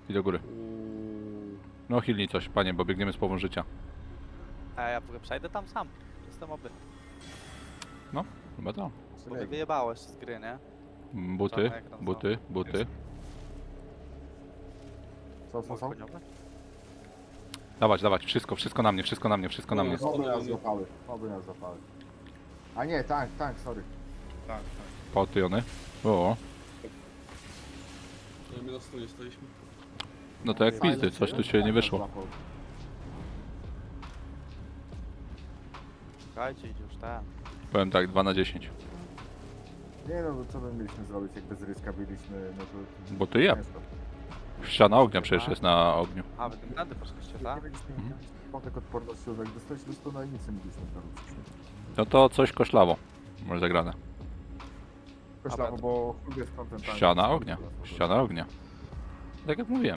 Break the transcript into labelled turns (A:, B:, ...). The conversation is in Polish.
A: I do góry. No hilnij coś, panie, bo biegniemy z połową życia.
B: A ja w ogóle przejdę tam sam. Jestem oby.
A: Chyba to.
B: Bo mnie wyjebałeś z gry, nie?
A: Buty,
B: Czarny ekran
A: buty, buty.
C: Co?
B: Koniowe?
A: Dawać, dawać, wszystko na mnie, wszystko na mnie, wszystko na mnie.
C: Oby nas złapały. A nie, tank, sorry.
D: Tak.
A: Potyjony. O,
D: No my na stronie staliśmy.
A: no to jak pizdy, coś tu się nie wyszło.
B: Czekajcie, idzie już ten.
A: Powiem tak, 2 na 10.
C: Nie no, co my mieliśmy zrobić, jak bez ryska byliśmy, no to...
A: Bo ty ja.
C: ciężko.
A: Ściana ognia przecież jest na ogniu.
B: A, wy tym tędy poszliście,
C: Nie
B: tak?
C: mieliśmy potek odporności, jak dostaliśmy 100 na nic nie mieliśmy zrobić.
A: No to coś koszlawo. Może zagrane.
C: Koślawo, bo chuj jest kontent.
A: Ściana ognia. Ściana ognia. Tak jak mówiłem.